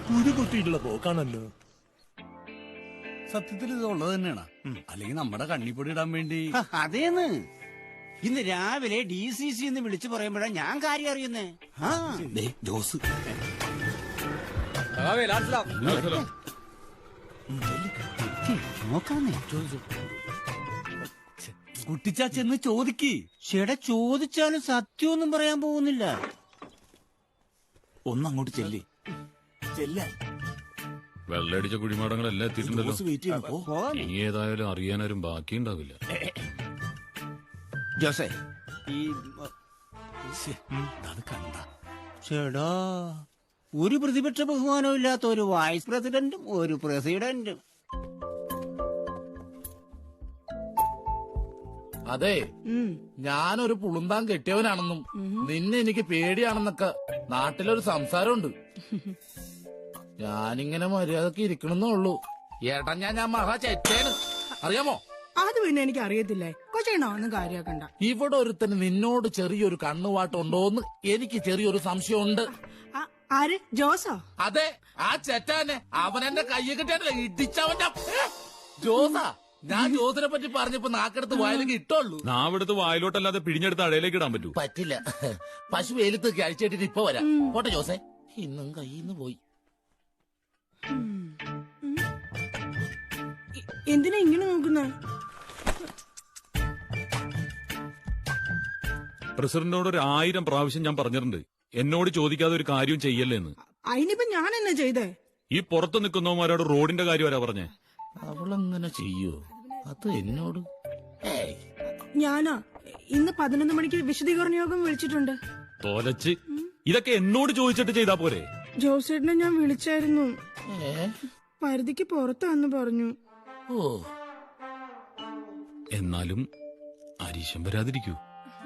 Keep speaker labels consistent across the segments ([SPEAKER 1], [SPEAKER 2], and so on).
[SPEAKER 1] കുരുകുത്തിയിട്ടുള്ള പോക്കാണല്ലോ.
[SPEAKER 2] സത്യത്തിൽ ഇത് ഉള്ളത് തന്നെയാണ്, അല്ലെങ്കിൽ നമ്മുടെ കണ്ണിപ്പൊടി ഇടാൻ വേണ്ടി.
[SPEAKER 3] അതേന്ന് ഇന്ന് രാവിലെ DCC എന്ന് വിളിച്ചു പറയുമ്പോഴാ ഞാൻ കാര്യം അറിയുന്നേ.
[SPEAKER 2] ജോസ്
[SPEAKER 3] നോക്കാന്നേ.
[SPEAKER 2] കുട്ടിച്ചാ ചെന്ന് ചോദിക്ക്.
[SPEAKER 3] ചേട്ടാ ചോദിച്ചാലും സത്യമൊന്നും പറയാൻ പോകുന്നില്ല.
[SPEAKER 2] ഒന്നങ്ങോട്ട് ചെല്ലി
[SPEAKER 4] വെള്ളയടിച്ച കുഴിമാടങ്ങളെല്ലാം എത്തിയിട്ടുണ്ടല്ലോ. ഇനി ഏതായാലും അറിയാനും ബാക്കിയുണ്ടാവില്ല.
[SPEAKER 3] ജോസേ ഈ
[SPEAKER 2] കണ്ട
[SPEAKER 3] ചേടാ ഒരു പ്രതിപക്ഷ ബഹുമാനവും ഇല്ലാത്ത ഒരു വൈസ് പ്രസിഡന്റും ഒരു പ്രസിഡന്റും.
[SPEAKER 5] അതെ, ഞാനൊരു പുളുന്താൻ കെട്ടിയവനാണെന്നും നിന്നെ എനിക്ക് പേടിയാണെന്നൊക്കെ നാട്ടിലൊരു സംസാരമുണ്ട്. ഞാനിങ്ങനെ മര്യാദക്ക് ഇരിക്കണമെന്നേ ഉള്ളൂ. ഏട്ടഞ്ഞാ ഞാൻ മഹാ ചെറ്റേന്, അറിയാമോ?
[SPEAKER 6] അത് പിന്നെ എനിക്ക് അറിയത്തില്ലേ. കൊച്ചേണോ ഒന്നും കാര്യാക്കണ്ട.
[SPEAKER 5] ഇവിടെ ഒരുത്തന് നിന്നോട് ചെറിയൊരു കണ്ണുവാട്ടുണ്ടോന്ന് എനിക്ക് ചെറിയൊരു സംശയമുണ്ട്.
[SPEAKER 6] ആര്? ജോസോ?
[SPEAKER 5] അതെ, ആ ചെറ്റാനെ. അവനെന്റെ കയ്യെ കിട്ടിയാണല്ലോ ഇടിച്ചവന്റെ. ജോസാ, ഞാൻ ജോസിനെ പറ്റി പറഞ്ഞപ്പോ നാക്കെടുത്ത് വായിലേക്ക് ഇട്ടുള്ളൂ.
[SPEAKER 4] നാവെടുത്ത് വായിലോട്ടല്ലാതെ പിഴിഞ്ഞെടുത്ത് അടയിലേക്ക് ഇടാൻ പറ്റൂ?
[SPEAKER 5] പറ്റില്ല. പശു വെയിലത്ത് കഴിച്ചിട്ടിട്ട് ഇപ്പൊ വരാം. പോട്ടെ ജോസേ, ഇന്നും കയ്യിന്ന് പോയി.
[SPEAKER 6] എന്തിനാ ഇങ്ങനെ നോക്കുന്നേ?
[SPEAKER 4] പ്രസിഡന്റിനോട് ഒരു 1000 പ്രാവശ്യം ഞാൻ പറഞ്ഞിട്ടുണ്ട്, എന്നോട് ചോദിക്കാതെ ഒരു കാര്യം ചെയ്യല്ലേന്ന്.
[SPEAKER 6] അതിനിപ്പോ ഞാൻ എന്നാ ചെയ്തേ?
[SPEAKER 4] ഈ പുറത്ത് നിൽക്കുന്നവന്മാരോട് റോഡിന്റെ കാര്യം ആരാ പറഞ്ഞേ?
[SPEAKER 5] അവളെങ്ങനെ ചെയ്യോ അത് എന്നോട്?
[SPEAKER 6] ഞാനാ ഇന്ന് 11 മണിക്ക് വിശദീകരണ യോഗം വിളിച്ചിട്ടുണ്ട്.
[SPEAKER 4] തോലച്ച് ഇതൊക്കെ എന്നോട് ചോദിച്ചിട്ട് ചെയ്താ പോരെ?
[SPEAKER 6] ജോസേട്ടനെ ഞാൻ വിളിച്ചായിരുന്നു. പരിധിക്ക് പുറത്താന്ന് പറഞ്ഞു.
[SPEAKER 5] ഓ,
[SPEAKER 4] എന്നാലും അരീശം വരാതിരിക്കൂ.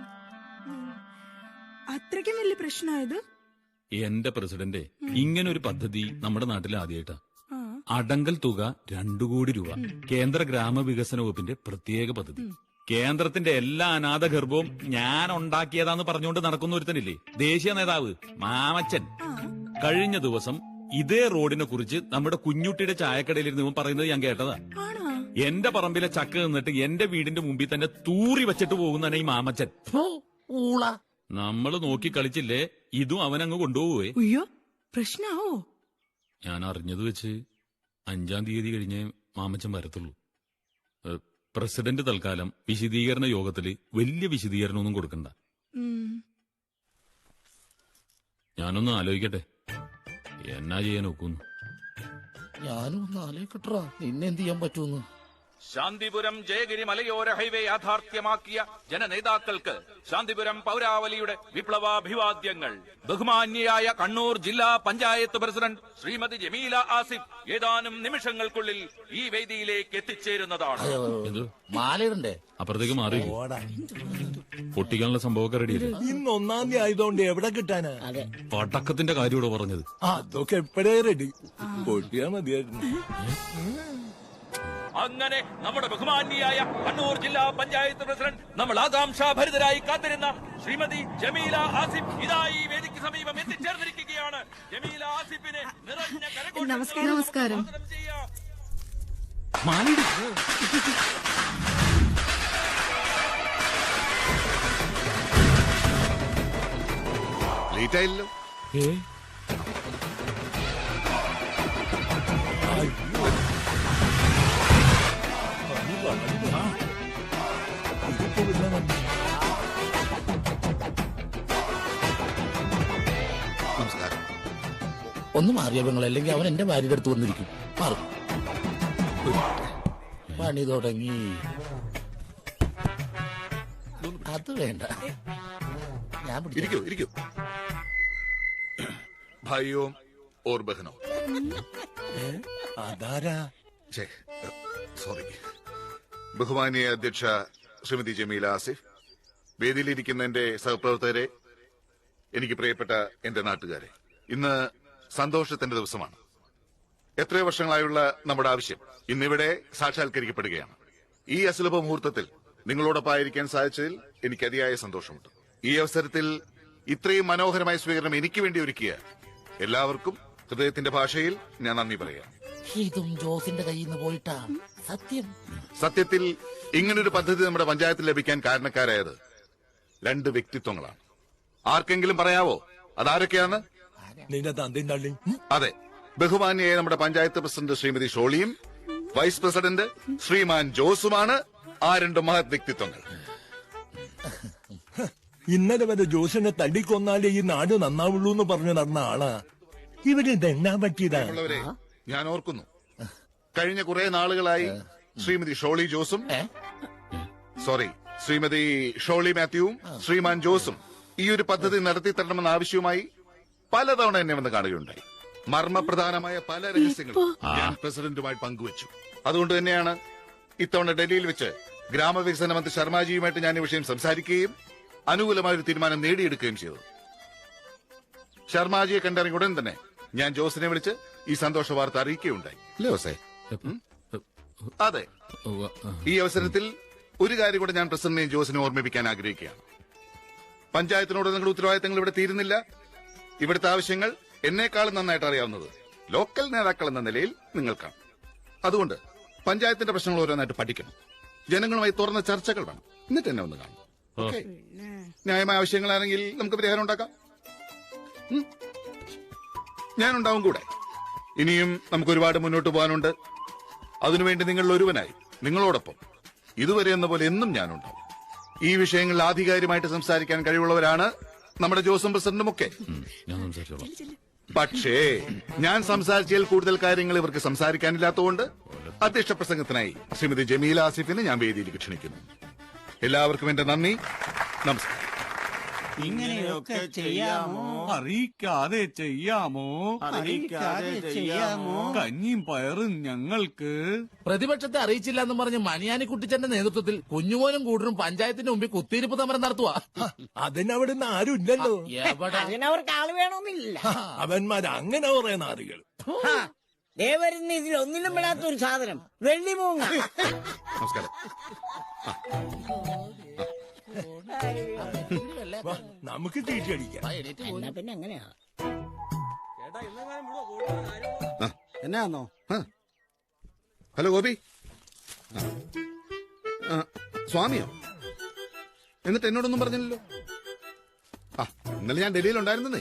[SPEAKER 6] അത്രയ്ക്കും വലിയ പ്രശ്നമായത്?
[SPEAKER 4] എന്റെ പ്രസിഡന്റ്, ഇങ്ങനെ ഒരു പദ്ധതി നമ്മുടെ നാട്ടിൽ ആദ്യമായിട്ടാ. അടങ്കൽ തുക 2 കോടി രൂപ, കേന്ദ്ര ഗ്രാമവികസന വകുപ്പിന്റെ പ്രത്യേക പദ്ധതി. കേന്ദ്രത്തിന്റെ എല്ലാ അനാഥ ഗർഭവും ഞാൻ ഉണ്ടാക്കിയതാന്ന് പറഞ്ഞുകൊണ്ട് നടക്കുന്ന ഒരുത്തനില്ലേ, ദേശീയ നേതാവ് മാമച്ചൻ. കഴിഞ്ഞ ദിവസം ഇതേ റോഡിനെ കുറിച്ച് നമ്മുടെ കുഞ്ഞുട്ടിയുടെ ചായക്കടയിൽ ഇവൻ പറയുന്നത് ഞാൻ കേട്ടതാ. എന്റെ പറമ്പിലെ ചക്ക നിന്നിട്ട് എന്റെ വീടിന്റെ മുമ്പിൽ തന്നെ തൂറി വെച്ചിട്ട് പോകുന്നതാണ് ഈ മാമച്ചൻ. നമ്മള് നോക്കി കളിച്ചില്ലേ, ഇതും അവനങ്ങ് കൊണ്ടുപോവേ.
[SPEAKER 6] അയ്യോ, പ്രശ്നാവോ?
[SPEAKER 4] ഞാൻ അറിഞ്ഞത് വെച്ച് 5-ാം തീയതി കഴിഞ്ഞേ മാമച്ചൻ വരത്തുള്ളൂ. പ്രസിഡന്റ് തൽക്കാലം വിശദീകരണ യോഗത്തില് വലിയ വിശദീകരണമൊന്നും കൊടുക്കണ്ട. ഞാനൊന്ന് ആലോചിക്കട്ടെ, എന്നാ ചെയ്യാൻ ഒക്കുന്നു.
[SPEAKER 5] ഞാനും ഒന്ന് ആലോചിക്കട്ടാ, നിന്നെന്ത് ചെയ്യാൻ പറ്റൂന്ന്.
[SPEAKER 7] ശാന്തിപുരം ജയഗിരി മലയോര ഹൈവേ യാഥാർത്ഥ്യമാക്കിയ ജനനേതാക്കൾക്ക് ശാന്തിപുരം പൗരാവലിയുടെ വിപ്ലവാഭിവാദ്യങ്ങൾ. ബഹുമാന്യയായ കണ്ണൂർ ജില്ലാ പഞ്ചായത്ത് പ്രസിഡന്റ് ശ്രീമതി ജമീല ആസിഫ് ഏതാനും നിമിഷങ്ങൾക്കുള്ളിൽ ഈ വേദിയിലേക്ക് എത്തിച്ചേരുന്നതാണ്.
[SPEAKER 5] മാലയിടണ്ടേ?
[SPEAKER 4] അപ്പുറത്തേക്ക് മാറി പൊട്ടിക്കാനുള്ള സംഭവമൊക്കെ റെഡിയല്ലേ?
[SPEAKER 1] ഇന്ന് 1-ാം തീയതി ആയതുകൊണ്ട് എവിടെ കിട്ടാനാ?
[SPEAKER 4] പടക്കത്തിന്റെ കാര്യം ഇവിടെ പറഞ്ഞത്.
[SPEAKER 1] അതൊക്കെ എപ്പോഴേ റെഡി. പൊട്ടിയാ മതിയായിരുന്നു.
[SPEAKER 7] അങ്ങനെ നമ്മുടെ ബഹുമാന്യയായ കണ്ണൂർ ജില്ലാ പഞ്ചായത്ത് പ്രസിഡന്റ്, നമ്മൾ ആകാംക്ഷാഭരിതരായി കാത്തിരുന്ന ശ്രീമതി ജമീല ആസിഫ് ഇതാ ഈ വേദിക്ക് സമീപം എത്തിച്ചേർന്നിരിക്കുകയാണ്. ജമീല ആസിഫിനെ നിറഞ്ഞ കരഘോഷങ്ങളോടെ
[SPEAKER 6] നമസ്കാരം.
[SPEAKER 7] സ്വാഗതം ചെയ്യാം.
[SPEAKER 8] ലേറ്റായില്ലോ. നമസ്കാരം.
[SPEAKER 5] ഒന്ന് മാറിയ പെങ്ങൾ, അല്ലെങ്കിൽ അവൻ എന്റെ ഭാര്യയുടെ അടുത്ത് വന്നിരിക്കും. മാറും. പണി തുടങ്ങി. അത് വേണ്ട, ഞാൻ
[SPEAKER 8] ഇരിക്കൂ ഇരിക്കൂ. ഭായിയോ ഓർ ബഹനോ?
[SPEAKER 1] അതാരാ?
[SPEAKER 8] സോറി. ബഹുമാനീയ അധ്യക്ഷ ശ്രീമതി ജമീല ആസിഫ്, വേദിയിലിരിക്കുന്ന എന്റെ സഹപ്രവർത്തകരെ, എനിക്ക് പ്രിയപ്പെട്ട എന്റെ നാട്ടുകാരെ, ഇന്ന് സന്തോഷത്തിന്റെ ദിവസമാണ്. എത്രയോ വർഷങ്ങളായുള്ള നമ്മുടെ ആവശ്യം ഇന്നിവിടെ സാക്ഷാത്കരിക്കപ്പെടുകയാണ്. ഈ അസുലഭ മുഹൂർത്തത്തിൽ നിങ്ങളോടൊപ്പം ആയിരിക്കാൻ സാധിച്ചതിൽ എനിക്ക് അതിയായ സന്തോഷമുണ്ട്. ഈ അവസരത്തിൽ ഇത്രയും മനോഹരമായ സ്വീകരണം എനിക്ക് വേണ്ടി ഒരുക്കിയ എല്ലാവർക്കും ഹൃദയത്തിന്റെ ഭാഷയിൽ ഞാൻ നന്ദി പറയാം.
[SPEAKER 5] ഇതും ജോസിന്റെ കയ്യിൽ നിന്ന് പോയിട്ടാ സത്യം.
[SPEAKER 8] സത്യത്തിൽ ഇങ്ങനൊരു പദ്ധതി നമ്മുടെ പഞ്ചായത്തിൽ ലഭിക്കാൻ കാരണക്കാരായത് 2 വ്യക്തിത്വങ്ങളാണ്. ആർക്കെങ്കിലും പറയാവോ അതാരൊക്കെയാണ്?
[SPEAKER 1] നിന്റെ തന്തയും തള്ളി
[SPEAKER 8] അതെ, ബഹുമാന്യയായ നമ്മുടെ പഞ്ചായത്ത് പ്രസിഡന്റ് ശ്രീമതി ഷോളിയും വൈസ് പ്രസിഡന്റ് ശ്രീമാൻ ജോസുമാണ് ആ 2 മഹത് വ്യക്തിത്വങ്ങൾ.
[SPEAKER 1] ഇന്നലെ വരെ ജോസിനെ തല്ലിക്കൊന്നാലേ ഈ നാട് നന്നാവുള്ളൂ എന്ന് പറഞ്ഞു നടന്ന ആളാ. ഇവിടെ ഇതെന്നാ പറ്റിയതാ?
[SPEAKER 8] ഉള്ളവരെ ഞാൻ ഓർക്കുന്നു, കഴിഞ്ഞ കുറെ നാളുകളായി ശ്രീമതി ഷോളി ജോസും ശ്രീമതി ഷോളി മാത്യുവും ശ്രീമാൻ ജോസും ഈ ഒരു പദ്ധതി നടത്തി തരണമെന്ന ആവശ്യവുമായി പലതവണ എന്നെ വന്ന് കാണുകയുണ്ടായി. മർമ്മപ്രധാനമായ പല രഹസ്യങ്ങളും ഞാൻ പ്രസിഡന്റുമായി പങ്കുവച്ചു. അതുകൊണ്ട് തന്നെയാണ് ഇത്തവണ ഡൽഹിയിൽ വെച്ച് ഗ്രാമവികസന മന്ത്രി ശർമാജിയുമായിട്ട് ഞാൻ ഈ വിഷയം സംസാരിക്കുകയും അനുകൂലമായ ഒരു തീരുമാനം നേടിയെടുക്കുകയും ചെയ്തത്. ശർമാജിയെ കണ്ടിറങ്ങി ഉടൻ തന്നെ ഞാൻ ജോസിനെ വിളിച്ച് ഈ സന്തോഷ വാർത്ത അറിയിക്കുകയുണ്ടായി. അല്ലേ ജോസേ? അതെ. ഈ അവസരത്തിൽ ഒരു കാര്യം കൂടെ ഞാൻ പ്രസിഡന്റിനെയും ജോസിനെ ഓർമ്മിപ്പിക്കാൻ ആഗ്രഹിക്കുകയാണ്. പഞ്ചായത്തിനോട് നിങ്ങളുടെ ഉത്തരവാദിത്തങ്ങൾ ഇവിടെ തീരുന്നില്ല. ഇവിടുത്തെ ആവശ്യങ്ങൾ എന്നെക്കാളും നന്നായിട്ട് അറിയാവുന്നത് ലോക്കൽ നേതാക്കൾ എന്ന നിലയിൽ നിങ്ങൾക്കാണ്. അതുകൊണ്ട് പഞ്ചായത്തിന്റെ പ്രശ്നങ്ങൾ ഓരോന്നായിട്ട് പഠിക്കണം. ജനങ്ങളുമായി തുറന്ന ചർച്ചകൾ വേണം. എന്നിട്ട് എന്നെ ഒന്ന് കാണും. ഓക്കെ? ന്യായമായ ആവശ്യങ്ങളാണെങ്കിൽ നമുക്ക് പരിഹാരം ഉണ്ടാക്കാം. ഞാനുണ്ടാവും കൂടെ. ഇനിയും നമുക്ക് ഒരുപാട് മുന്നോട്ട് പോകാനുണ്ട്. അതിനുവേണ്ടി നിങ്ങളിൽ ഒരുവനായി നിങ്ങളോടൊപ്പം ഇതുവരെ എന്ന പോലെ എന്നും ഞാനുണ്ടാവും. ഈ വിഷയങ്ങളിൽ ആധികാരികമായിട്ട് സംസാരിക്കാൻ കഴിവുള്ളവരാണ് നമ്മുടെ ജോസും പ്രസിഡന്റും ഒക്കെ. പക്ഷേ ഞാൻ സംസാരിച്ചതിൽ കൂടുതൽ കാര്യങ്ങൾ ഇവർക്ക് സംസാരിക്കാനില്ലാത്തതുകൊണ്ട് അധ്യക്ഷ പ്രസംഗത്തിനായി ശ്രീമതി ജമീല ആസിഫിനെ ഞാൻ വേദിയിലേക്ക് ക്ഷണിക്കുന്നു. എല്ലാവർക്കും എന്റെ നന്ദി, നമസ്കാരം.
[SPEAKER 3] ഇങ്ങനെയൊക്കെ ചെയ്യാമോ?
[SPEAKER 2] അറിയിക്കാതെ ചെയ്യാമോ?
[SPEAKER 3] അറിയിക്കാതെ ചെയ്യാമോ?
[SPEAKER 2] കഞ്ഞിയും പയറും ഞങ്ങൾക്ക്.
[SPEAKER 5] പ്രതിപക്ഷത്തെ അറിയിച്ചില്ല എന്ന് പറഞ്ഞ് മണിയാനിക്കുട്ടിച്ചന്റെ നേതൃത്വത്തിൽ കുഞ്ഞുമോനും കൂട്ടരും പഞ്ചായത്തിന്റെ മുമ്പിൽ കുത്തിയിരിപ്പ് സമരം നടത്തുക.
[SPEAKER 1] അതിനവിടുന്ന് ആരും ഇല്ലല്ലോ.
[SPEAKER 5] എവിടെ?
[SPEAKER 3] അതിനവർക്ക് ആള് വേണമെന്നില്ല.
[SPEAKER 1] അവന്മാര് അങ്ങനെ കുറെ നാറികൾ.
[SPEAKER 3] ദേവരുന്ന് ഇതിലൊന്നിലും പെടാത്ത ഒരു സാധനം, വെള്ളിമൂങ്ങ.
[SPEAKER 8] നമസ്കാരം.
[SPEAKER 1] വാ, നമുക്ക് തീറ്റി അടിക്കാം.
[SPEAKER 3] എന്നാ പിന്നെ അങ്ങനെയാ.
[SPEAKER 8] ആ.
[SPEAKER 3] എന്നാന്നോ?
[SPEAKER 8] ആ. ഹലോ ഗോപി. സ്വാമിയോ? എന്നിട്ട് എന്നോടൊന്നും പറഞ്ഞില്ലല്ലോ. ആ, ഇന്നലെ ഞാൻ ഡൽഹിയിൽ ഉണ്ടായിരുന്നേ.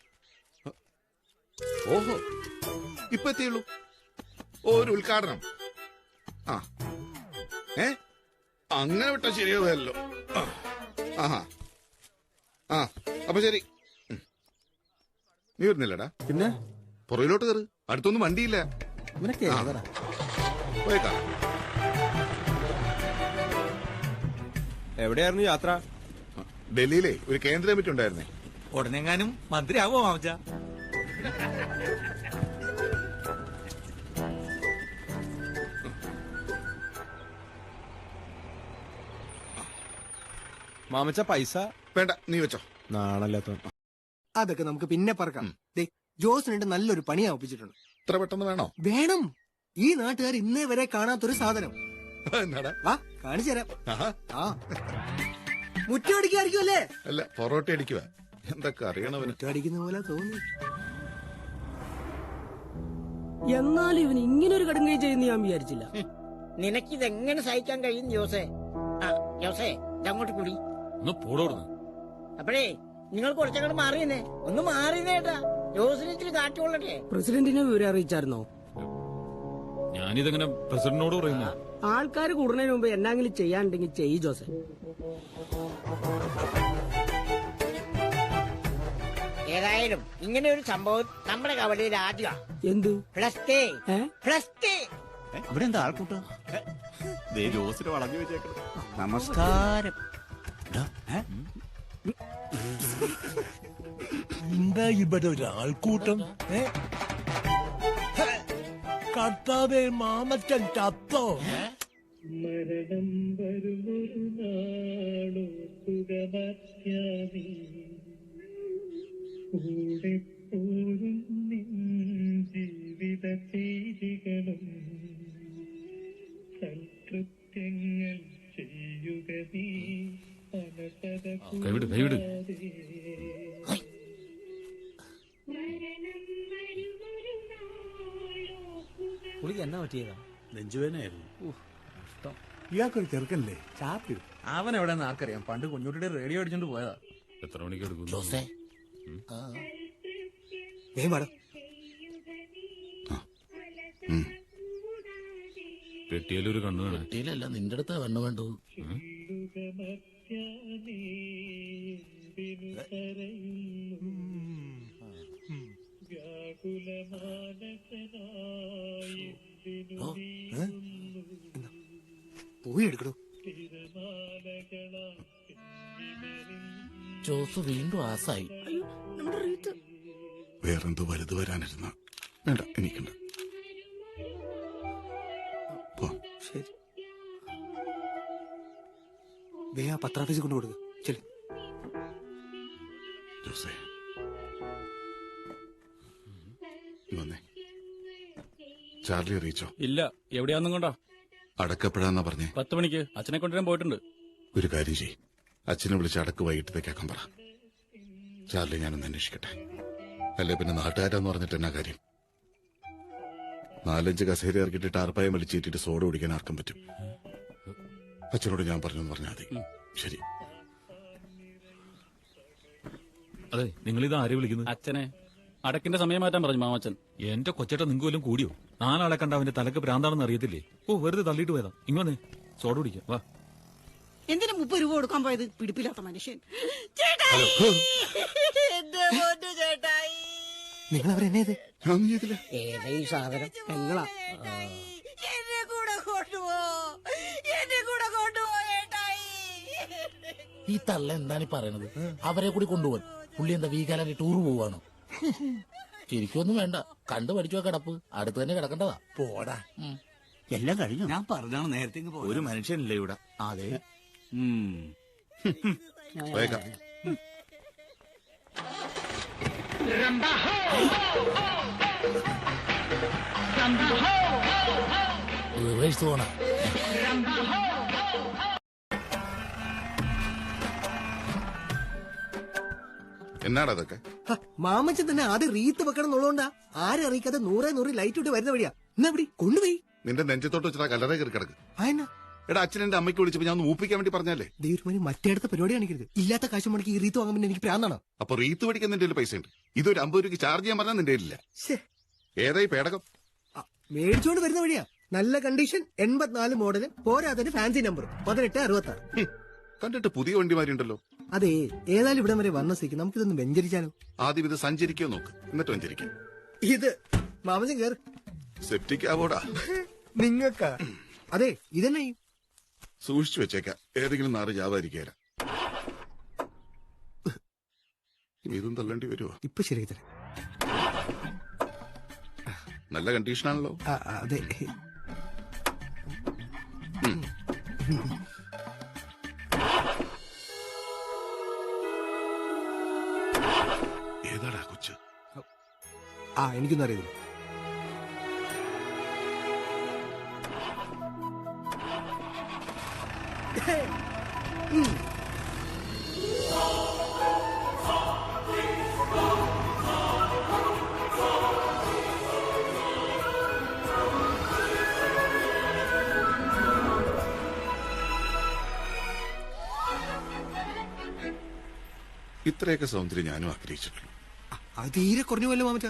[SPEAKER 8] ഓഹോ, ഇപ്പൊ എത്തിയുള്ളൂ. ഒരു ഉദ്ഘാടനം. ആ, അങ്ങനെ വിട്ടാ ശരിയാവുമല്ലോ. ആഹാ, ആ, അപ്പൊ ശരി. നീ വരുന്നില്ലടാ?
[SPEAKER 3] പിന്നെ
[SPEAKER 8] പുറയിലോട്ട് കയറ്. അടുത്തൊന്നും വണ്ടിയില്ല. പോയേക്കാം.
[SPEAKER 9] എവിടെയായിരുന്നു യാത്ര?
[SPEAKER 8] ഡൽഹിയിലെ ഒരു കേന്ദ്ര കമ്മിറ്റി ഉണ്ടായിരുന്നേ.
[SPEAKER 9] ഉടനെങ്ങാനും മന്ത്രിയാവോ മാമച്ച? മാമച്ച പൈസ
[SPEAKER 8] വേണ്ട, നീ വെച്ചോ.
[SPEAKER 9] നാണല്ലാത്ത.
[SPEAKER 10] അതൊക്കെ നമുക്ക് പിന്നെ പറക്കാം. ജോസിനുണ്ട് നല്ലൊരു പണി ആവപ്പിച്ചിട്ടുണ്ട്.
[SPEAKER 8] ഇത്ര പെട്ടെന്ന് വേണോ?
[SPEAKER 10] വേണം. ഈ നാട്ടുകാർ ഇന്നേ വരെ കാണാത്തൊരു സാധനം.
[SPEAKER 8] എന്നാടാ?
[SPEAKER 10] വാ, കാണിച്ചു തരാം.
[SPEAKER 8] ആഹാ.
[SPEAKER 10] ആ, മുറ്റമടിക്കായിരിക്കും അല്ലേ?
[SPEAKER 8] അല്ല, പൊറോട്ട അടിക്കുക. എന്തൊക്കെ അറിയണവന്.
[SPEAKER 10] മുറ്റമടിക്കുന്ന പോലെ തോന്നി.
[SPEAKER 11] എന്നാലും ഇവൻ ഇങ്ങനൊരു കടുങ്കൈ ചെയ്യുന്ന ഞാൻ വിചാരിച്ചില്ല.
[SPEAKER 3] നിനക്കിതെങ്ങനെ സഹിക്കാൻ കഴിയും ജോസേ? ജോസേ, ഇതങ്ങോട്ട് കൂടി. അപ്പോഴേ നിങ്ങൾ കുറച്ചങ്ങോട്ട് മാറിയെന്നേ. ഒന്ന് മാറിയതേട്ടാ. ജോസിന് ഇച്ചിരി കാറ്റുകൊള്ളട്ടെ.
[SPEAKER 11] പ്രസിഡന്റിനെ വിവരം അറിയിച്ചായിരുന്നോ?
[SPEAKER 4] ഞാനിതെങ്ങനെ പ്രസിഡന്റിനോട് പറയുന്നു?
[SPEAKER 11] ആൾക്കാർ കൂടുന്നതിന് മുമ്പ് എന്നാങ്കിലും ചെയ്യാനുണ്ടെങ്കിൽ ചെയ്യ് ജോസേ.
[SPEAKER 3] ഏതായാലും ഇങ്ങനെ ഒരു സംഭവം നമ്മുടെ കവലയിൽ ആദ്യമാണ്.
[SPEAKER 11] എന്ത്?
[SPEAKER 3] ഇവിടെ എന്താ ആൾക്കൂട്ടം?
[SPEAKER 9] ജോസിന് വളഞ്ഞു വെച്ചേക്കണം.
[SPEAKER 3] നമസ്കാരം.
[SPEAKER 1] എന്താ ഇവിടെ ഒരാൾക്കൂട്ടം? കർത്താവേ, മാമച്ചൻ ചത്തോ?
[SPEAKER 12] മരണം വരുമൊരു നാളോ സുഖമത്യാമി കൂടെ പോരും നിൻ ജീവിത ചെയ്തികളും സൽകൃത്യങ്ങൾ ചെയ്യുക നീ
[SPEAKER 4] കൈവിട് കൈവിട്.
[SPEAKER 12] മരണം വരുമൊരു
[SPEAKER 9] പുള്ളിക്ക് എന്നാ പറ്റിയതാ? നെഞ്ചുവേദനയായിരുന്നു.
[SPEAKER 1] ഇയാൾക്കൊരു ചെറുക്കല്ലേ ചാപ്പി
[SPEAKER 9] അവൻ എവിടെയെന്ന് ആർക്കറിയാം? പണ്ട് കുഞ്ഞുട്ടിയുടെ റേഡിയോ അടിച്ചോണ്ട് പോയതാ.
[SPEAKER 4] എത്ര മണിക്ക് എടുക്കും?
[SPEAKER 5] ജോസേ
[SPEAKER 10] വേഗം പാടും.
[SPEAKER 4] പെട്ടിയിലൊരു കണ്ണു വേണം.
[SPEAKER 5] കുട്ടിയിലല്ല നിന്റെ അടുത്താ കണ്ണു വേണ്ടു.
[SPEAKER 10] പോയി എടുക്കണോ?
[SPEAKER 5] ജോസ് വീണ്ടും ആസായി.
[SPEAKER 6] നമ്മുടെ റീത്ത്
[SPEAKER 8] വേറെന്തോ വലുത് വരാനിരുന്ന വേണ്ട, എനിക്കുണ്ട്.
[SPEAKER 10] ശരി, വേഗം ആ പത്രാഫീസ് കൊണ്ട് കൊടുക്കുക. ചെല്ലു.
[SPEAKER 8] ജോസേ വന്നേ. ചാർലി അറിയിച്ചോ?
[SPEAKER 7] ഇല്ല. എവിടെയാന്നും കൊണ്ടാ?
[SPEAKER 8] അടക്കപ്പെടാന്നാ പറഞ്ഞേ.
[SPEAKER 7] 10 മണിക്ക് അച്ഛനെ കൊണ്ടുവരാൻ പോയിട്ടുണ്ട്.
[SPEAKER 8] ഒരു കാര്യം ചെയ്യ്, അച്ഛനെ വിളിച്ച് അടക്ക് വൈകിട്ടത്തേക്കാക്കാൻ പറ. ചാർലി ഞാനൊന്ന് അന്വേഷിക്കട്ടെ. അല്ലേ പിന്നെ നാട്ടുകാരാന്ന് പറഞ്ഞിട്ട് എന്നാ കാര്യം? 4-5 കസേര ഇറക്കിയിട്ട് ടാർപ്പായം വലിച്ചേറ്റിട്ട് സോഡ കുടിക്കാൻ ആർക്കും പറ്റും. അച്ഛനോട് ഞാൻ പറഞ്ഞു പറഞ്ഞാൽ മതി. ശരി.
[SPEAKER 4] അതെ, നിങ്ങളിത് ആരെ വിളിക്കുന്നത്?
[SPEAKER 7] അച്ഛനെ അടക്കിന്റെ സമയം മാറ്റാൻ പറഞ്ഞു മാമച്ചൻ.
[SPEAKER 4] എന്റെ കൊച്ചേട്ട നിങ്ങൾക്ക് വല്ലതും കൂടിയോ? 4 ആളെ കണ്ട അവന്റെ തലക്ക് ഭ്രാന്താണെന്ന് അറിയത്തില്ലേ? ഓ, വെറുതെ തള്ളിയിട്ട് പോയതാ. ഇങ്ങനെ സോഡ കുടിക്കാം, വാ.
[SPEAKER 11] എന്തിനാ 30 രൂപ കൊടുക്കാൻ പോയത്? പിടിപ്പില്ലാത്ത മനുഷ്യൻ.
[SPEAKER 10] നിങ്ങൾ അവരെന്നെ
[SPEAKER 8] ഞാൻ ചെയ്തില്ല.
[SPEAKER 11] ഏതാ ഈ സാധനം? പെങ്ങളാ. എന്നെ കൂടെ കൊണ്ടുപോ.
[SPEAKER 5] ഈ തള്ള എന്താണ് ഈ പറയണത്? അവരെ കൂടി കൊണ്ടുപോകാൻ പുള്ളി എന്താ വീക്കാലാക്കി ടൂർ പോവാണോ? ശരിക്കൊന്നും വേണ്ട, കണ്ടു പഠിച്ചു കിടപ്പ് അടുത്ത് തന്നെ കിടക്കേണ്ടതാ.
[SPEAKER 3] പോടാ, എല്ലാം കഴിഞ്ഞു.
[SPEAKER 9] ഞാൻ പറഞ്ഞാണ് നേരത്തെ ഒരു മനുഷ്യനില്ലേ ഇവിടെ?
[SPEAKER 5] അതെ.
[SPEAKER 8] വേഗം.
[SPEAKER 5] റിവേഴ്സ് പോണ.
[SPEAKER 8] എന്നാടാ അതൊക്കെ?
[SPEAKER 10] മാമച്ചൻ തന്നെ ആദ്യം റീത്ത് വെക്കണം എന്നുള്ളതുകൊണ്ടാ ആരെ അറിയിക്കാതെ 100 ലൈറ്റ് ഇട്ട് വരുന്ന വഴിയാ. എന്നാ ഇവിടെ കൊണ്ടുപോയി
[SPEAKER 8] നിന്റെ നെഞ്ചത്തോട്ട് വെച്ചാ കല്ലറ കയറി കിടക്ക്.
[SPEAKER 10] ആയെന്നാ
[SPEAKER 8] എടാ, അച്ഛൻ എന്റെ അമ്മയ്ക്ക് വിളിച്ചപ്പോ ഞാൻ ഒന്ന് ഊപ്പിക്കാൻ വേണ്ടി പറഞ്ഞല്ലേ.
[SPEAKER 10] ദൈവമേ, മറ്റേ അടുത്ത പരിപാടി കാണിക്കരുത്. ഇല്ലാത്ത കാശ് മുടക്കി ഈ റീത്ത് വാങ്ങാൻ പിന്നെ എനിക്ക് പ്രാന്താണ്.
[SPEAKER 8] അപ്പൊ റീത്ത് പഠിക്കാൻ നിന്റെ കയ്യിൽ പൈസ ഉണ്ട്. ഇതൊരു 50 രൂപയ്ക്ക് ചാർജ് ചെയ്യാൻ പറഞ്ഞാൽ നിന്റെ കയ്യിലില്ല. ഏതായി പേടകം?
[SPEAKER 10] മേടിച്ചോണ്ട് വരുന്ന വഴിയാ. നല്ല കണ്ടീഷൻ, 84 മോഡല്, പോരാതെ ഫാൻസി നമ്പർ 1866.
[SPEAKER 8] കണ്ടിട്ട് പുതിയ വണ്ടിമാരുണ്ടല്ലോ.
[SPEAKER 10] അതെ, ഏതായാലും ഇവിടം വരെ വന്ന സ്ഥിതിക്ക് നമുക്കിതൊന്ന് വെഞ്ചരിച്ചാലോ?
[SPEAKER 8] ആദ്യം ഇത് സഞ്ചരിക്കോ നോക്ക്, എന്നിട്ട് വെഞ്ചരിക്കാം.
[SPEAKER 10] ഇത് മാമച്ചൻ കേറ്.
[SPEAKER 8] സെപ്റ്റിക് ആവോടാ
[SPEAKER 10] നിങ്ങൾക്കാ? അതെ, ഇതന്നെ
[SPEAKER 8] സൂക്ഷിച്ചു വെച്ചേക്കാം. ഏതെങ്കിലും നാറ് ജാവായിരിക്കേല. ഇതും തള്ളേണ്ടി വരുമോ?
[SPEAKER 10] ഇപ്പൊ ശരിയായി തരാം.
[SPEAKER 8] നല്ല കണ്ടീഷനാണല്ലോ.
[SPEAKER 10] അതെ.
[SPEAKER 8] ഏതാടാ കൊച്ച്?
[SPEAKER 10] എനിക്കൊന്നും അറിയില്ല.
[SPEAKER 8] ഇത്രയൊക്കെ സൗന്ദര്യം ഞാനും ആഗ്രഹിച്ചിട്ടുള്ളൂ.
[SPEAKER 10] അത് തീരെ കുറഞ്ഞു പോയല്ലോ മാമച്ച.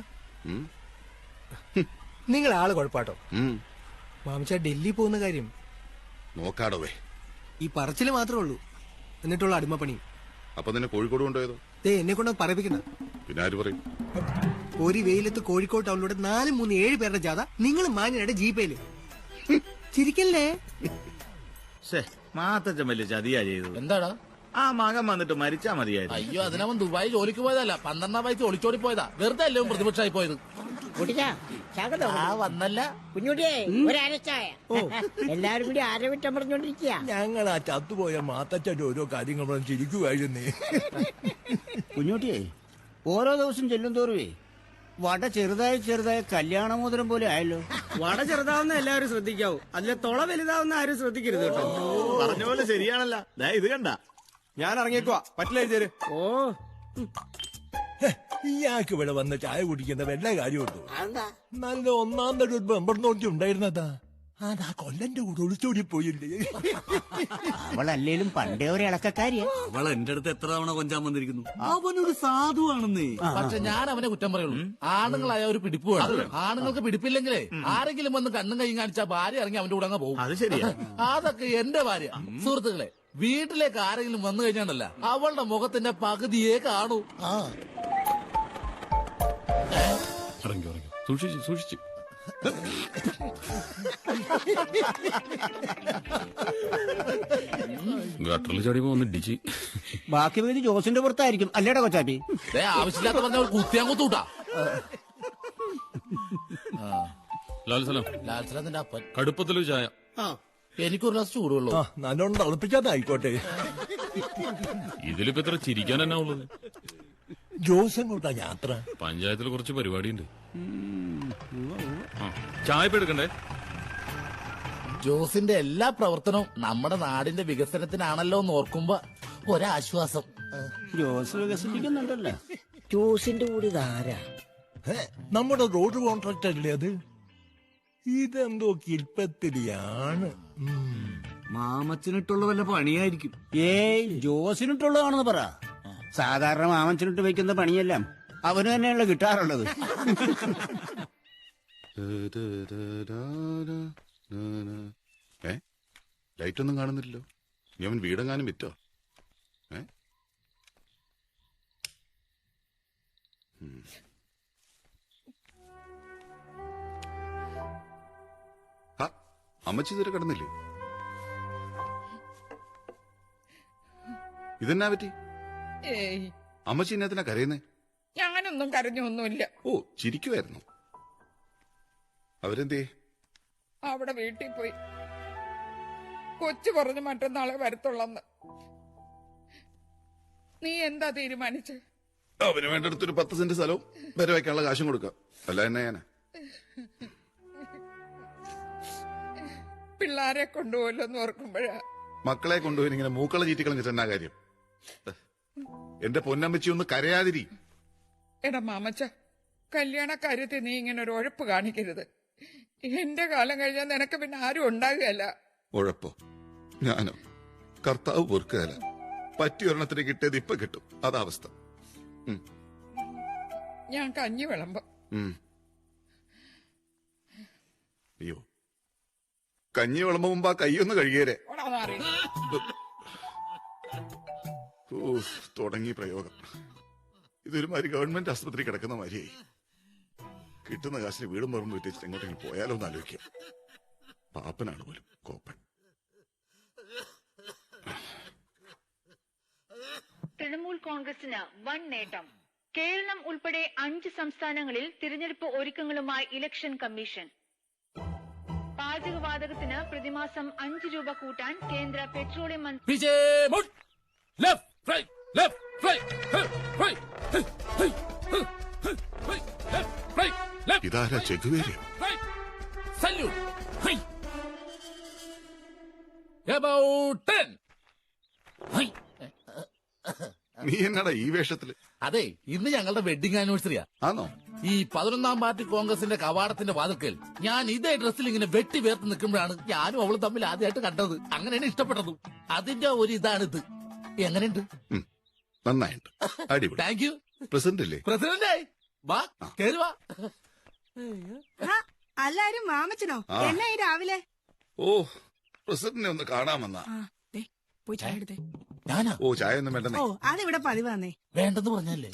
[SPEAKER 10] നിങ്ങൾ ആള് കുഴപ്പാട്ടോ. മാമച്ച ഡൽഹി പോകുന്ന കാര്യം
[SPEAKER 8] നോക്കാടോവേ.
[SPEAKER 10] ഈ പറച്ചില് മാത്രമേ ഉള്ളൂ, എന്നിട്ടുള്ള അടിമപ്പണി.
[SPEAKER 8] അപ്പൊ നിന്നെ കോഴിക്കോട് കൊണ്ടുപോയതോ?
[SPEAKER 10] എന്നെ കൊണ്ട് പറയിപ്പിക്കണ്ട.
[SPEAKER 8] പിന്നെ ആര് പറയും?
[SPEAKER 10] ഒരു വെയിലത്ത് കോഴിക്കോട് ടൗണിലൂടെ 4, 3, 7 പേരുടെ ജാഥ നിങ്ങൾ മാന്യനായിട്ട് ജീപ്പയില്. ചിരിക്കല്ലേ?
[SPEAKER 9] മാത്തച്ഛൻ വലിയ ചതിയാ ചെയ്തത്.
[SPEAKER 5] എന്താടാ?
[SPEAKER 9] ആ മകൻ വന്നിട്ട് മരിച്ചാ മതിയായിരുന്നു.
[SPEAKER 5] അയ്യോ, അതിനവൻ ദുബായി ജോലിക്ക് പോയതല്ല, 12ാം വയസ്സിൽ ഒളിച്ചോടി പോയതാ. വെറുതെ അല്ലേ പ്രതിപക്ഷമായി പോയത്. വന്നല്ല
[SPEAKER 11] കുഞ്ഞുട്ടിയെ ഒരച്ചായ. എല്ലാരും കൂടി ആരവിറ്റം പറഞ്ഞോണ്ടിരിക്കുക.
[SPEAKER 1] ഞങ്ങൾ ആ ചത്തുപോയ മാത്തച്ഛന്റെ ഓരോ കാര്യങ്ങൾ പറഞ്ഞ് ചിരിക്കുവായിരുന്നേ.
[SPEAKER 3] കുഞ്ഞുട്ടിയെ ഓരോ ദിവസം ചെല്ലും തോറുവേ വട ചെറുതായി കല്യാണമോതിരം പോലെ ആയല്ലോ.
[SPEAKER 11] വട ചെറുതാവുന്ന എല്ലാവരും ശ്രദ്ധിക്കാവൂ, അതിലെ തുള വലുതാവുന്ന ആരും ശ്രദ്ധിക്കരുത് കേട്ടോ.
[SPEAKER 9] പറഞ്ഞ പോലെ ശരിയാണല്ല. ഇത് കണ്ട, ഞാൻ ഇറങ്ങിയേക്കുവാ. പറ്റില്ല.
[SPEAKER 11] ഓ
[SPEAKER 1] ഇയാൾക്ക് ഇവിടെ വന്ന് ചായ കുടിക്കുന്ന വല്ല കാര്യമുണ്ടോ?
[SPEAKER 11] അതെന്താ?
[SPEAKER 1] നല്ല ഒന്നാം തരം ഒരു ബമ്പർ നോക്കി ഉണ്ടായിരുന്നതാ, അതാ കൊല്ലന്റെ കൂടെ ഒളിച്ചോടി പോയില്ലേ.
[SPEAKER 3] അവളല്ലേലും പണ്ടേ ഒരു ഇളക്കക്കാരിയാ.
[SPEAKER 9] അവൾ എന്റെ അടുത്ത് എത്ര തവണ കൊഞ്ചാൻ വന്നിരിക്കുന്നു. അവനൊരു സാധുവാണെന്നേ.
[SPEAKER 5] പക്ഷെ ഞാൻ അവനെ കുറ്റം പറയുള്ളൂ. ആണുങ്ങളായ ഒരു പിടിപ്പ് വേണം. ആണുങ്ങൾക്ക് പിടിപ്പില്ലെങ്കിലേ ആരെങ്കിലും വന്ന് കണ്ണും കൈയും കാണിച്ചാ ഭാര്യ ഇറങ്ങി അവന്റെ കൂടെ അങ്ങ് പോകും.
[SPEAKER 9] അത് ശരിയാ.
[SPEAKER 5] അതൊക്കെ എന്റെ ഭാര്യ. സുഹൃത്തുക്കളെ, വീട്ടിലേക്ക് ആരെങ്കിലും വന്നു കഴിഞ്ഞാണ്ടല്ല അവളുടെ മുഖത്തിന്റെ പകുതിയെ കാണൂ.
[SPEAKER 4] ഇറങ്ങി ഇറങ്ങി, സൂക്ഷിച്ചു സൂക്ഷിച്ചു. ഗട്ടറിൽ ചാടിയപ്പോ ഒന്ന് ഇടിച്ച്.
[SPEAKER 3] ബാക്കി പേര് ജോസിന്റെ പുറത്തായിരിക്കും അല്ലേടാ കൊച്ചാപ്പി?
[SPEAKER 5] ആവശ്യമില്ലാത്ത പറഞ്ഞ കുത്തിയാൻ കുത്തൂട്ടാ.
[SPEAKER 4] ലാൽസലം,
[SPEAKER 5] ലാൽസലത്തിന്റെ അപ്പൻ
[SPEAKER 4] കടുപ്പത്തിലൊരു ചായ.
[SPEAKER 5] എനിക്കൊരു ഗ്ലാസ് ചൂടുള്ളൂ.
[SPEAKER 1] നല്ലോണം തിളപ്പിക്കാതായിക്കോട്ടെ.
[SPEAKER 4] ഇതിലിപ്പോ എത്ര ചിരിക്കാൻ എന്നാ ഉള്ളത്?
[SPEAKER 1] ജോസെങ്ങോട്ടാ യാത്ര?
[SPEAKER 4] പഞ്ചായത്തിൽ കുറച്ച് പരിപാടിയുണ്ട്. ചായ ഇപ്പൊ എടുക്കണ്ടേ?
[SPEAKER 5] ജോസിന്റെ എല്ലാ പ്രവർത്തനവും നമ്മുടെ നാടിന്റെ വികസനത്തിനാണല്ലോ എന്ന് ഓർക്കുമ്പോ ഒരാശ്വാസം.
[SPEAKER 3] ജോസ് വികസിപ്പിക്കുന്നുണ്ടല്ലോ.
[SPEAKER 11] ജോസിന്റെ കൂടെ ഇതാരാ?
[SPEAKER 1] നമ്മുടെ റോഡ് കോൺട്രാക്ടർ അല്ലേ അത്? ഇതെന്തോ കിൽപ്പത്തിരിയാണ്.
[SPEAKER 9] മാമച്ചനിട്ടുള്ള വല്ല പണിയായിരിക്കും.
[SPEAKER 3] ഏയ്, ജോസിനിട്ടുള്ളതാണെന്ന് പറ. സാധാരണ മാമച്ചനിട്ട് വെക്കുന്ന പണിയെല്ലാം അവന് തന്നെയുള്ള കിട്ടാറുള്ളത്.
[SPEAKER 8] ലൈറ്റ് ഒന്നും കാണുന്നില്ലല്ലോ. ഇനി അവൻ വീടെങ്ങാനും വിറ്റോ? അമ്മച്ചി ഇതുവരെ കിടന്നില്ലേ? ഇതെന്നാ പറ്റി?
[SPEAKER 13] ഏയ്,
[SPEAKER 8] അമ്മച്ചി ഇന്നത്തിനാ കരയുന്നേ?
[SPEAKER 13] ഞാനൊന്നും കരഞ്ഞൊന്നുമില്ല.
[SPEAKER 8] ഓ, ചിരിക്കുമായിരുന്നു. അവരെന്തേ?
[SPEAKER 13] അവിടെ വീട്ടിൽ പോയി. കൊച്ചു പറഞ്ഞു മറ്റന്നാളെ വരത്തുള്ളന്ന്. നീ എന്താ തീരുമാനിച്ച്?
[SPEAKER 8] അവന് വേണ്ടടുത്തൊരു 10 സെന്റ് സ്ഥലവും വരെ വയ്ക്കാനുള്ള കാശും കൊടുക്കാം. അല്ല എന്നാ ഞാനാ?
[SPEAKER 13] പിള്ളാരെ കൊണ്ടുപോലൊന്ന് ഓർക്കുമ്പോഴാ.
[SPEAKER 8] മക്കളെ കൊണ്ടുപോയി ഇങ്ങനെ മൂക്കള ചീറ്റിക്കളഞ്ഞിട്ട് എന്നാ കാര്യം? എന്റെ പൊന്നമ്മച്ചി ഒന്ന് കരയാതിരി.
[SPEAKER 13] എടാ മാമച്ച, കല്യാണ കാര്യത്തിൽ നീ ഇങ്ങനെ ഒരു ഉഴപ്പ് കാണിക്കരുത്. എന്റെ കാലം കഴിഞ്ഞാൽ നിനക്ക് പിന്നെ ആരും ഉണ്ടാകുകയല്ല.
[SPEAKER 8] ഉഴപ്പോ? ഞാനോ? കർത്താവ് പൊറുക്കുകയല്ല. പറ്റിയൊരെണ്ണത്തിന് കിട്ടിയത് ഇപ്പൊ കിട്ടും, അതാവസ്ഥ.
[SPEAKER 13] ഞാൻ കഞ്ഞി വിളമ്പ.
[SPEAKER 8] അയ്യോ, കഞ്ഞി വിളമ്പ മുമ്പ് ആ കൈയൊന്ന് കഴുകിയേരെ. തുടങ്ങി പ്രയോഗം. ഇതൊരുമാതിരി ഗവൺമെന്റ് ആസ്പത്രി കിടക്കുന്ന മാതിരിയായി. കിട്ടുന്ന കാശിന് വീടും പറമ്പ് വിറ്റിച്ചിട്ട് എങ്ങോട്ടെങ്കിലും പോയാലോ എന്ന് ആലോചിക്കാം. പാപ്പനാണ് പോലും കോപ്പൻ.
[SPEAKER 14] തൃണമൂൽ കോൺഗ്രസിന് വൻ നേട്ടം. കേരളം ഉൾപ്പെടെ 5 സംസ്ഥാനങ്ങളിൽ തിരഞ്ഞെടുപ്പ് ഒരുക്കങ്ങളുമായി ഇലക്ഷൻ കമ്മീഷൻ. പാചകവാതകത്തിന് പ്രതിമാസം 5 രൂപ കൂട്ടാൻ കേന്ദ്ര പെട്രോളിയം മന്ത്രി.
[SPEAKER 8] ഇതാരാ? ചെകുവേരിയോ? നീ എന്നാടാ ഈ വേഷത്തില്?
[SPEAKER 5] അതെ, ഇന്ന് ഞങ്ങളുടെ വെഡിങ് ആനിവേഴ്സറിയാ.
[SPEAKER 8] ആണോ?
[SPEAKER 5] ഈ 11ാം പാർട്ടി കോൺഗ്രസിന്റെ കവാടത്തിന്റെ വാതിൽക്കൽ ഞാൻ ഇതേ ഡ്രസ്സിൽ ഇങ്ങനെ വെട്ടി വേർത്ത് നിൽക്കുമ്പോഴാണ് ഞാനും അവളും തമ്മിൽ ആദ്യമായിട്ട് കണ്ടത്. അങ്ങനെയാണ് ഇഷ്ടപ്പെട്ടതും. അതിന്റെ ഒരു ഇതാണിത്. എങ്ങനെയുണ്ട്?
[SPEAKER 8] നന്നായിട്ട്, അടിപൊളി.
[SPEAKER 5] Thank you.
[SPEAKER 8] പ്രസിഡന്റ് അല്ലേ?
[SPEAKER 5] പ്രസിഡന്റ്. വാ, കേറി വാ.
[SPEAKER 6] എല്ലാരും മാമച്ചനോ? എന്നാ ഈ രാവിലെ?
[SPEAKER 8] ഓ, പ്രസിഡന്റിനെ ഒന്ന് കാണാമെന്നാ.
[SPEAKER 6] പോയി ചായ എടുത്തേ.
[SPEAKER 5] ഞാനാ?
[SPEAKER 8] ഓ, ചായ ഒന്നും വേണ്ടേ?
[SPEAKER 6] ഓ, അതിവിടെ പതിവാന്നേ.
[SPEAKER 5] വേണ്ടെന്ന് പറഞ്ഞല്ലേ?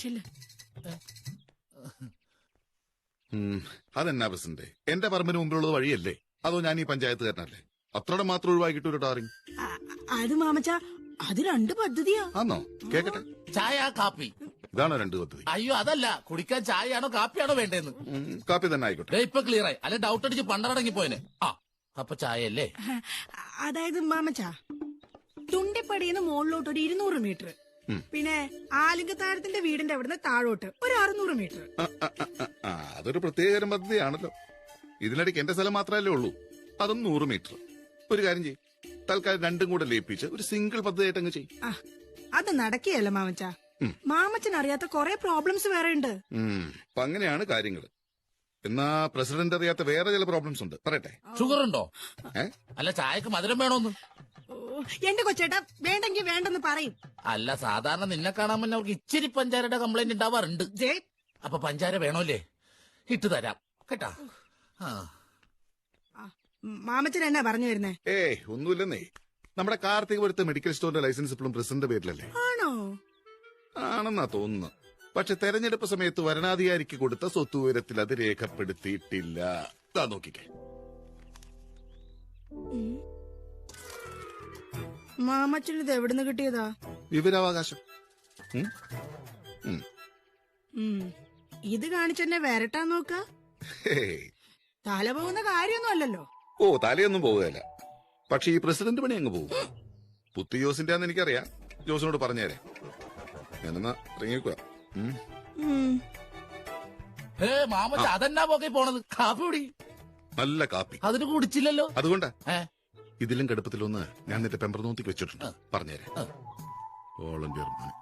[SPEAKER 8] അതെന്നാ പ്രസിഡന്റ്? എന്റെ പറമ്പിന് മുമ്പിലുള്ളത് വഴിയല്ലേ? അതോ ഞാൻ ഈ പഞ്ചായത്തുകാരനല്ലേ? അത്രയുടെ മാത്രം ഒഴിവാക്കി കിട്ടൂല ടാറിങ്.
[SPEAKER 6] അത് മാമച്ച, അത് 2 പദ്ധതിയാ.
[SPEAKER 8] ആന്നോ? കേക്കട്ടെ.
[SPEAKER 5] ചായ, കാപ്പി.
[SPEAKER 8] ഇതാണോ 2 പദ്ധതി?
[SPEAKER 5] അയ്യോ, അതല്ല. കുടിക്കാൻ ചായയാണോ കാപ്പിയാണോ വേണ്ടേന്ന്.
[SPEAKER 8] കാപ്പി തന്നെ ആയിക്കോട്ടെ.
[SPEAKER 5] ഇപ്പൊ ക്ലിയർ ആയി. അല്ലെ ഡൗട്ട് അടിച്ച് പണ്ടടങ്ങി പോയനെ. അപ്പൊ ചായയല്ലേ?
[SPEAKER 6] അതായത് മാമച്ച, തുണ്ടിപ്പടിന്ന് മുകളിലോട്ട് ഒരു 200 മീറ്റർ, പിന്നെ ആലിംഗത്താരത്തിന്റെ വീടിന്റെ അവിടുന്ന് താഴോട്ട് ഒരു 600 മീറ്റർ.
[SPEAKER 8] അതൊരു പ്രത്യേക പദ്ധതിയാണല്ലോ. ഇതിനിടയ്ക്ക് എന്റെ സ്ഥലം മാത്രമല്ലേ ഉള്ളൂ, അതും 100 മീറ്റർ. ഒരു കാര്യം ചെയ്യും, തൽക്കാലം 2 കൂടെ ലയിപ്പിച്ച് ഒരു സിംഗിൾ പദ്ധതിയായിട്ട് അങ്ങ് ചെയ്യും.
[SPEAKER 6] അത് നടക്കുകയല്ല മാമച്ച. മാമച്ചൻ അറിയാത്ത കുറെ പ്രോബ്ലംസ് വേറെ ഉണ്ട്.
[SPEAKER 8] അപ്പൊ അങ്ങനെയാണ് കാര്യങ്ങൾ. എന്നാ പ്രസിഡന്റ് അറിയാത്ത വേറെ ചില പ്രോബ്ലംസ് ഉണ്ട്, പറയട്ടെ.
[SPEAKER 5] ഷുഗർ ഉണ്ടോ? അല്ല, ചായക്ക് മധുരം വേണോന്ന്?
[SPEAKER 6] എന്റെ കൊച്ചേട്ടാ വേണ്ടെങ്കിൽ വേണ്ടെന്ന് പറയും.
[SPEAKER 5] അല്ല, സാധാരണ നിന്നെ കാണാൻ മുന്നേ അവർക്ക് ഇച്ചിരി പഞ്ചാരയുടെ കംപ്ലൈന്റ് ഉണ്ടാവാറുണ്ട്. അപ്പൊ പഞ്ചാര വേണോല്ലേ? ഇട്ട് തരാം കേട്ടാ.
[SPEAKER 6] മാമച്ചൻ എന്നാ പറഞ്ഞു വരുന്നേ?
[SPEAKER 8] ഒന്നുമില്ലെന്നേ. നമ്മുടെ കാർത്തികപുരത്ത് മെഡിക്കൽ സ്റ്റോറിന്റെ ലൈസൻസ് ഇപ്പോഴും പ്രസിഡന്റ് പേരിലല്ലേ?
[SPEAKER 6] ആണോ?
[SPEAKER 8] ആണെന്നാ തോന്നുന്നു. പക്ഷെ തെരഞ്ഞെടുപ്പ് സമയത്ത് വരണാധികാരിക്ക് കൊടുത്ത സ്വത്തുവിവരത്തിൽ അത് രേഖപ്പെടുത്തിയിട്ടില്ല. നോക്കിക്കേ.
[SPEAKER 6] മാമച്ചൻ ഇത് എവിടുന്ന് കിട്ടിയതാ?
[SPEAKER 8] വിവരാവകാശം.
[SPEAKER 6] ഇത് കാണിച്ചെന്നെ വരട്ടാൻ നോക്ക. തല പോകുന്ന കാര്യമൊന്നും അല്ലല്ലോ.
[SPEAKER 8] തലയൊന്നും പോവുകയല്ല. പക്ഷെ ഈ പ്രസിഡന്റ് പണി അങ്ങ് പോകും. പുത്തി ജോസിന്റെ ആണെന്ന് എനിക്കറിയാം. ജോസിനോട് പറഞ്ഞേരെ. ഞാനെന്നാ ഇറങ്ങിക്കുക.
[SPEAKER 5] മാമച്ച അതെന്നാ പോക്കെ പോണത്? കാപ്പി കുടി.
[SPEAKER 8] നല്ല കാപ്പി.
[SPEAKER 5] അതിന് കുടിച്ചില്ലല്ലോ.
[SPEAKER 8] അതുകൊണ്ടാ. ഇതിലും കടുപ്പത്തിലൊന്ന് ഞാൻ നിന്റെ പെമ്പർ നോത്തിക്ക് വെച്ചിട്ടുണ്ട്. പറഞ്ഞേരെ. വോളണ്ടിയർ